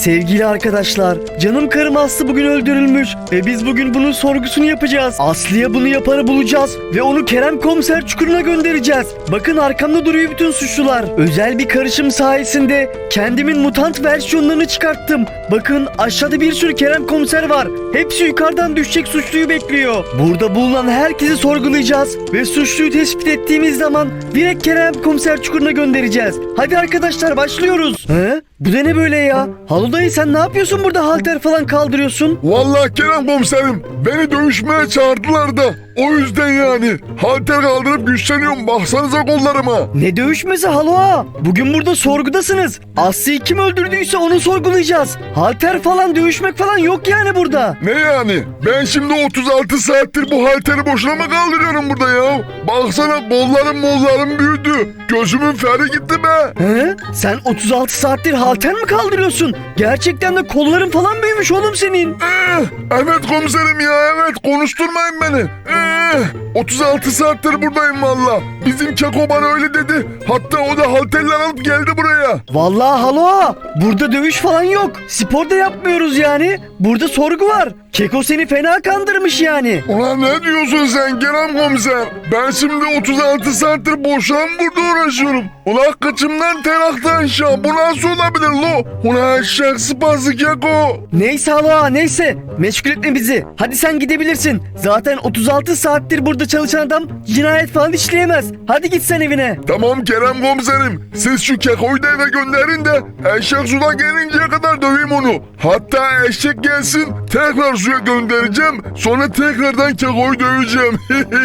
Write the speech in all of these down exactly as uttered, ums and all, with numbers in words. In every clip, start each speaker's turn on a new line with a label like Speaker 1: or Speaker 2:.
Speaker 1: Sevgili arkadaşlar, canım karım Aslı bugün öldürülmüş ve biz bugün bunun sorgusunu yapacağız. Aslı'ya bunu yapanı bulacağız ve onu Kerem Komiser çukuruna göndereceğiz. Bakın arkamda duruyor bütün suçlular. Özel bir karışım sayesinde kendimin mutant versiyonlarını çıkarttım. Bakın aşağıda bir sürü Kerem Komiser var. Hepsi yukarıdan düşecek suçluyu bekliyor. Burada bulunan herkesi sorgulayacağız ve suçluyu tespit ettiğimiz zaman direkt Kerem Komiser çukuruna göndereceğiz. Hadi arkadaşlar başlıyoruz. He? Bu da ne böyle ya? Halo dayı sen ne yapıyorsun burada, halter falan kaldırıyorsun?
Speaker 2: Vallahi Kerem komiserim, beni dövüşmeye çağırdılar da o yüzden yani. Halter kaldırıp güçleniyorum, baksanıza kollarıma.
Speaker 1: Ne dövüşmesi halo ha? Bugün burada sorgudasınız. Aslı'yı kim öldürdüyse onu sorgulayacağız. Halter falan dövüşmek falan yok yani burada.
Speaker 2: Ne yani? Ben şimdi otuz altı saattir bu halteri boşuna mı kaldırıyorum burada ya? Baksana kollarım mollarım büyüdü. Gözümün feri gitti be.
Speaker 1: He? Sen otuz altı saattir halter mi kaldırıyorsun? Gerçekten de kolların falan büyümüş oğlum senin.
Speaker 2: Ee, evet komiserim ya, evet, konuşturmayın beni. Ee, otuz altı saattir buradayım valla. Bizim Keko bana öyle dedi. Hatta o da halterler alıp geldi buraya.
Speaker 1: Vallahi halo ha. Burada dövüş falan yok. Spor da yapmıyoruz yani. Burada sorgu var. Keko seni fena kandırmış yani.
Speaker 2: Ulan ne diyorsun sen Kerem komiser? Ben şimdi otuz altı saattir boşuna mı burada uğraşıyorum? Ulan kıçımdan ter aktı aşağı. Bu nasıl olabilir lo? Ulan eşek sıpası Keko.
Speaker 1: Neyse halo ha, neyse. Meşgul etme bizi. Hadi sen gidebilirsin. Zaten otuz altı saattir burada çalışan adam cinayet falan işleyemez. Hadi git sen evine.
Speaker 2: Tamam Kerem komiserim. Siz şu Keko'yu da eve gönderin de eşek suda gelinceye kadar döveyim onu. Hatta eşek gelsin tekrar suya göndereceğim. Sonra tekrardan Keko'yu döveceğim.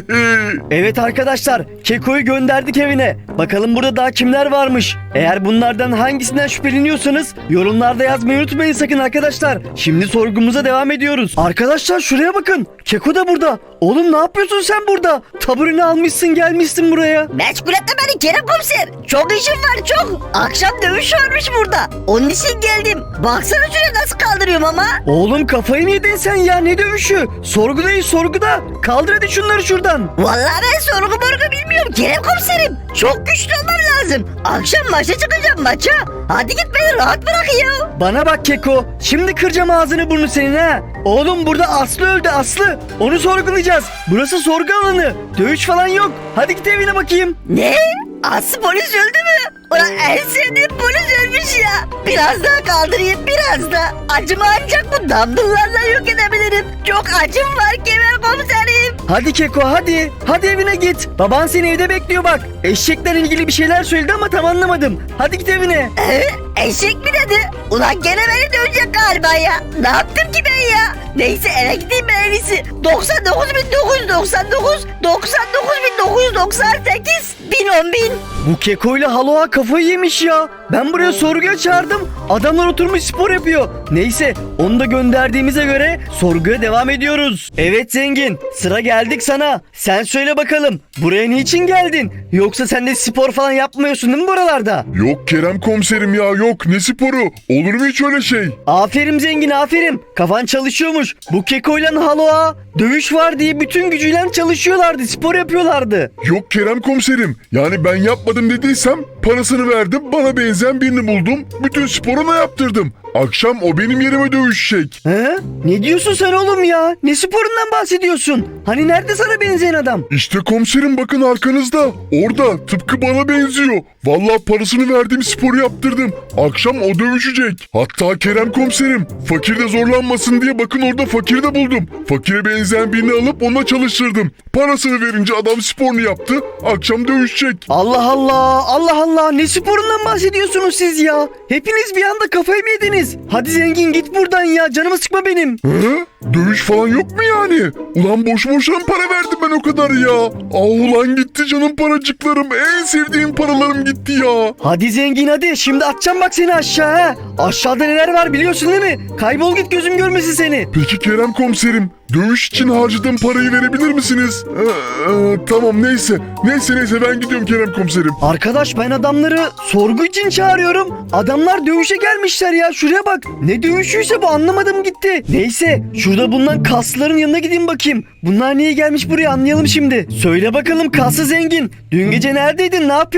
Speaker 1: Evet arkadaşlar, Keko'yu gönderdik evine. Bakalım burada daha kimler varmış. Eğer bunlardan hangisinden şüpheleniyorsanız yorumlarda yazmayı unutmayın sakın arkadaşlar. Şimdi sorgumuza devam ediyoruz. Arkadaşlar şuraya bakın. Keko da burada. Oğlum ne yapıyorsun sen burada? Tabureni almışsın gelmişsin buraya.
Speaker 3: Meşgul etme beni Kerem komiser. Çok işim var çok. Akşam dövüş varmış burada. Onun için geldim. Baksana şuraya nasıl kaldırıyorum ama.
Speaker 1: Oğlum kafayı mı yedin sen ya, ne dövüşü? Sorgudayız sorguda. Kaldır hadi şunları şuradan.
Speaker 3: Vallahi ben sorgu morgu bilmiyorum Kerem komiserim. Çok güçlü olmam lazım. Akşam maça çıkacağım maça. Hadi git beni rahat bırak ya.
Speaker 1: Bana bak Keko. Şimdi kıracağım ağzını burnunu senin ha. Oğlum burada Aslı öldü Aslı. Onu sorgulayacağız. Burası sorgu alanı. Dövüş falan yok. Hadi git evine bakayım.
Speaker 3: Ne? Aslı polis öldü mü? Ulan en sevdiğim polis ölmüş ya. Biraz daha kaldırayım biraz da. Acımı ancak bu dumbbell'larla yok edebilirim. Çok acım var Kerem komiserim.
Speaker 1: Hadi Keko hadi. Hadi evine git. Baban seni evde bekliyor bak. Eşekle ilgili bir şeyler söyledi ama tam anlamadım. Hadi git evine.
Speaker 3: Ee, eşek mi dedi? Ulan gene beni dövecek galiba ya. Ne yaptım ki ben ya? Neyse eve gideyim ben en iyisi. doksan dokuz bin dokuz yüz doksan dokuz, doksan dokuz bin dokuz yüz doksan sekiz, bin on bin.
Speaker 1: Bu Keko ile Haloa kafayı yemiş ya. Ben buraya sorguya çağırdım. Adamlar oturmuş spor yapıyor. Neyse onu da gönderdiğimize göre sorguya devam ediyoruz. Evet zengin, sıra geldik sana. Sen söyle bakalım, buraya niçin geldin? Yoksa sen de spor falan yapmıyorsun değil mi buralarda?
Speaker 2: Yok Kerem komiserim ya, yok, ne sporu? Olur mu hiç öyle şey?
Speaker 1: Aferin zengin aferin. Kafan çalışıyormuş. Bu Keko ile Haloa dövüş var diye bütün gücüyle çalışıyorlardı. Spor yapıyorlardı.
Speaker 2: Yok Kerem komiserim, yani ben yapmadım dediysem parasını verdim, bana benzeyen birini buldum, bütün sporunu yaptırdım. Akşam o benim yerime dövüşecek.
Speaker 1: He? Ne diyorsun sen oğlum ya? Ne sporundan bahsediyorsun? Hani nerede sana benzeyen adam?
Speaker 2: İşte komiserim bakın arkanızda, orada, tıpkı bana benziyor. Vallahi parasını verdiğim sporu yaptırdım. Akşam o dövüşecek. Hatta Kerem komiserim, fakir de zorlanmasın diye bakın orada fakiri de buldum. Fakire benzeyen birini alıp onunla çalıştırdım. Parasını verince adam sporunu yaptı, akşam dövüşecek.
Speaker 1: Allah Allah, Allah Allah, ne sporundan bahsediyorsunuz siz ya? Hepiniz bir anda kafayı mı yediniz? Hadi zengin git buradan ya, canımı sıkma benim.
Speaker 2: He? Dövüş falan yok mu yani? Ulan boş boşuna para verdim ben o kadar ya. Ah ulan gitti canım paracıklarım, en sevdiğim paralarım gitti ya.
Speaker 1: Hadi zengin hadi, şimdi atacağım bak seni aşağı ha. Aşağıda neler var biliyorsun değil mi? Kaybol git, gözüm görmesin seni.
Speaker 2: Peki Kerem komiserim, dövüş için harcadığım parayı verebilir misiniz? Ee, e, tamam neyse. Neyse neyse ben gidiyorum Kerem komiserim.
Speaker 1: Arkadaş ben adamları sorgu için çağırıyorum. Adamlar dövüşe gelmişler ya, şuraya bak. Ne dövüşüyse bu, anlamadım gitti. Neyse şurada bulunan kasların yanına gideyim bakayım. Bunlar niye gelmiş buraya, anlayalım şimdi. Söyle bakalım kaslı zengin. Dün gece neredeydin, ne yapıyordun?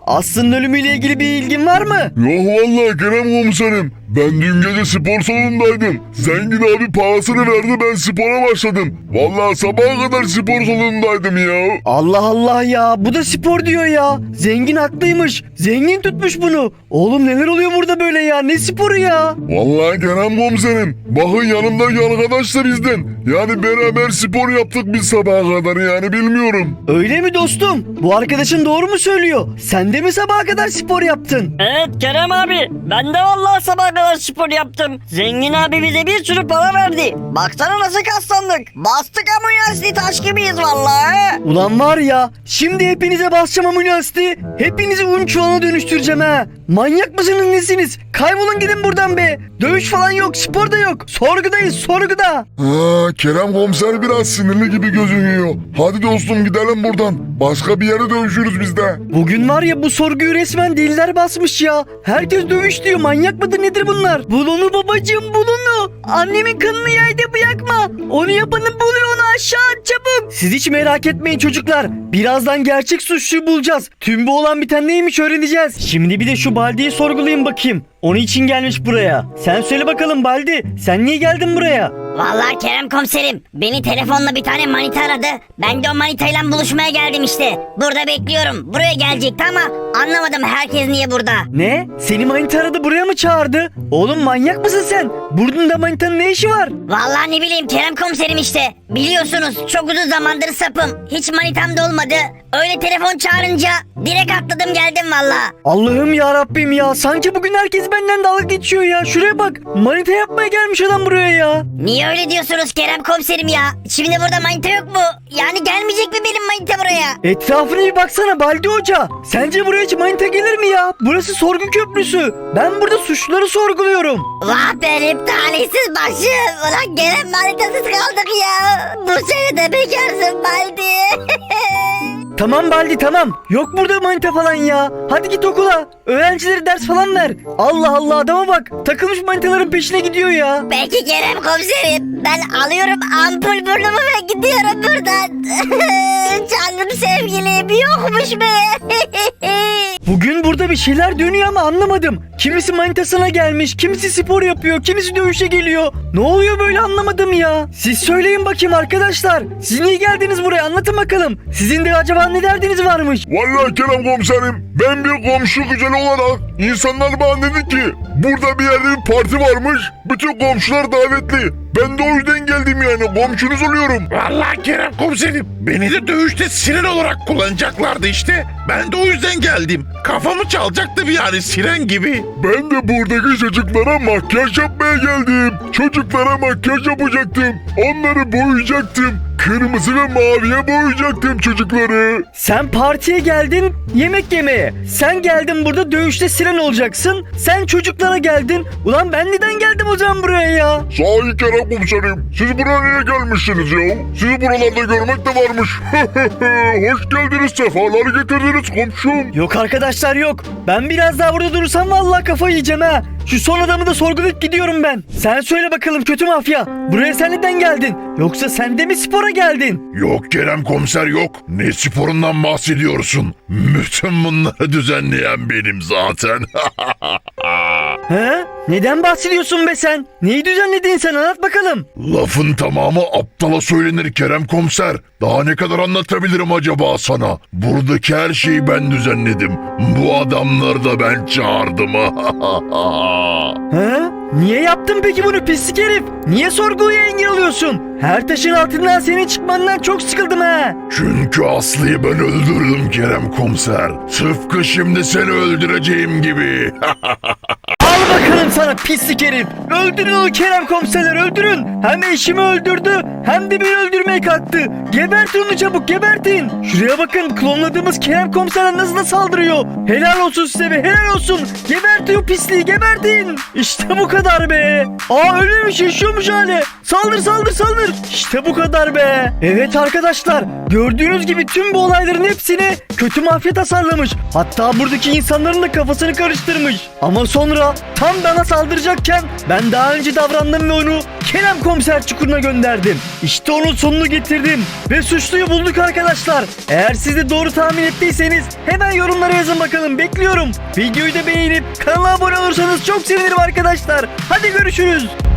Speaker 1: Aslı'nın ölümüyle ilgili bir ilgin var mı?
Speaker 2: Yok vallahi Kerem komiserim. Ben dün gece spor salonundaydım. Zengin abi parasını verdi, ben spora başladım. Vallahi sabaha kadar spor salonundaydım ya.
Speaker 1: Allah Allah ya, bu da spor diyor ya. Zengin haklıymış. Zengin tutmuş bunu. Oğlum neler oluyor burada böyle ya? Ne sporu ya?
Speaker 2: Vallahi Kerem komiserim. Bakın yanımdaki arkadaş da bizden. Yani beraber spor yaptık biz sabaha kadar, yani bilmiyorum.
Speaker 1: Öyle mi dostum? Bu arkadaşın doğru mu söylüyor? Sen de mi sabaha kadar spor yaptın?
Speaker 4: Evet Kerem abi, ben de vallahi sabah kadar spor yaptım. Zengin abi bize bir sürü para verdi. Baksana nasıl kaslandık. Bastık ama üniversite taş gibiyiz vallahi.
Speaker 1: Ulan var ya, şimdi hepinize basacağım ama üniversite. Hepinizi un çuvalına dönüştüreceğim ha. Manyak mısınız nesiniz? Kaybolun gidin buradan be. Dövüş falan yok, spor da yok. Sorgudayız, sorguda.
Speaker 2: Ha, Kerem komiser biraz sinirli gibi gözüküyor. Hadi dostum gidelim buradan. Başka bir yere dönüşürüz biz de.
Speaker 1: Bugün var ya, bu sorguyu resmen deliler basmış ya. Herkes dövüş diyor. Manyak mıdır nedir bunlar? Bul onu babacığım, bul onu. Annemin kanını yerde bırakma. Onu yapanı buluyor, onu aşağı at çabuk. Siz hiç merak etmeyin çocuklar. Birazdan gerçek suçluyu bulacağız. Tüm bu olan biten neymiş öğreneceğiz. Şimdi bir de şu Baldi'yi sorgulayayım bakayım. Onun için gelmiş buraya. Sen söyle bakalım Baldi. Sen niye geldin buraya?
Speaker 5: Vallahi Kerem komiserim, beni telefonla bir tane manita aradı. Ben de o manitayla buluşmaya geldim işte. Burada bekliyorum. Buraya gelecekti ama anlamadım herkes niye burada.
Speaker 1: Ne? Seni manita aradı, buraya mı çağırdı? Oğlum manyak mısın sen? Burnunda manitanın ne işi var?
Speaker 5: Vallahi ne bileyim Kerem komiserim işte. Biliyorsunuz çok uzun zamandır sapım. Hiç manitam da olmadı. Öyle telefon çağırınca direkt atladım geldim vallahi.
Speaker 1: Allah'ım ya Rabbim ya. Sanki bugün herkes benden dalga geçiyor ya. Şuraya bak. Manita yapmaya gelmiş adam buraya ya.
Speaker 5: Niye öyle diyorsunuz Kerem komiserim ya? Şimdi burada manita yok mu? Yani gelmeyecek mi benim manita buraya?
Speaker 1: Etrafına bir baksana Baldi Hoca. Sence buraya hiç manita gelir mi ya? Burası sorgu köprüsü. Ben burada suçluları sorguluyorum.
Speaker 5: Vah benim talihsiz başım. Ulan gene manitasız kaldık ya. Bu sene de bekarsın Baldi.
Speaker 1: Tamam Baldi tamam. Yok burada manita falan ya. Hadi git okula. Öğrencilere ders falan ver. Allah Allah, adama bak. Takılmış manitaların peşine gidiyor ya.
Speaker 5: Peki Kerem komiserim, ben alıyorum ampul burnumu ve gidiyorum buradan. Canım sevgilim yokmuş be.
Speaker 1: Bugün burada bir şeyler dönüyor ama anlamadım. Kimisi manitasına gelmiş, kimisi spor yapıyor, kimisi dövüşe geliyor. Ne oluyor böyle anlamadım ya. Siz söyleyin bakayım arkadaşlar. Siz niye geldiniz buraya, anlatın bakalım. Sizin de acaba ne derdiniz varmış?
Speaker 2: Vallahi Kerem komiserim, ben bir komşu güzeli olarak insanlar bana dedi ki burada bir yerde bir parti varmış, bütün komşular davetli. Ben de o yüzden geldim, yani komşunuz oluyorum.
Speaker 6: Vallahi Kerem komiserim, beni de dövüşte siren olarak kullanacaklardı işte. Ben de o yüzden geldim. Kafamı çalacaktı bir, yani siren gibi.
Speaker 2: Ben de buradaki çocuklara makyaj yapmaya geldim. Çocuklara makyaj yapacaktım. Onları boyayacaktım. Kırmızı ve maviye boyayacaktım çocukları.
Speaker 1: Sen partiye geldin yemek yemeye. Sen geldin burada dövüşte siren olacaksın. Sen çocuklara geldin. Ulan ben neden geldim o zaman buraya ya?
Speaker 2: Sahi Kerem komiserim, siz buraya niye gelmişsiniz ya? Sizi buralarda görmek de varmış. Hoş geldiniz, sefalar getirdiniz komşum.
Speaker 1: Yok arkadaşlar yok. Ben biraz daha burada durursam vallahi kafayı yiyeceğim ha. Şu son adamı da sorgulayıp gidiyorum ben. Sen söyle bakalım kötü mafya. Buraya sen neden geldin? Yoksa sen de mi spora geldin?
Speaker 6: Yok Kerem komiser yok. Ne sporundan bahsediyorsun? Bütün bunları düzenleyen benim zaten.
Speaker 1: He? Neden bahsediyorsun be sen? Neyi düzenledin sen, anlat bakalım.
Speaker 6: Lafın tamamı aptala söylenir Kerem komiser. Daha ne kadar anlatabilirim acaba sana? Buradaki her şeyi ben düzenledim. Bu adamları da ben çağırdım.
Speaker 1: He? Niye yaptın peki bunu pislik herif? Niye sorguya engel oluyorsun? Her taşın altından senin çıkmandan çok sıkıldım ha.
Speaker 6: Çünkü Aslı'yı ben öldürdüm Kerem komiser. Tıpkı şimdi seni öldüreceğim gibi.
Speaker 1: Al bakalım sana pislik herif. Öldürün onu Kerem komiserler, öldürün. Hem eşimi öldürdü hem de beni öldürmeye kalktı. Gebertin onu çabuk, gebertin. Şuraya bakın, klonladığımız Kerem komiserler nasıl da saldırıyor. Helal olsun size be, helal olsun. Gebertin o pisliği, gebertin. İşte bu kadar be. Aa ölüyormuş, yaşıyormuş hali. Saldır saldır saldır. İşte bu kadar be. Evet arkadaşlar, gördüğünüz gibi tüm bu olayların hepsini kötü mafya tasarlamış. Hatta buradaki insanların da kafasını karıştırmış. Ama sonra tam bana saldıracakken ben daha önce davrandım ve onu Kerem Komiser çukuruna gönderdim. İşte onun sonunu getirdim ve suçluyu bulduk arkadaşlar. Eğer siz de doğru tahmin ettiyseniz hemen yorumlara yazın bakalım, bekliyorum. Videoyu da beğenip kanala abone olursanız çok sevinirim arkadaşlar. Hadi görüşürüz.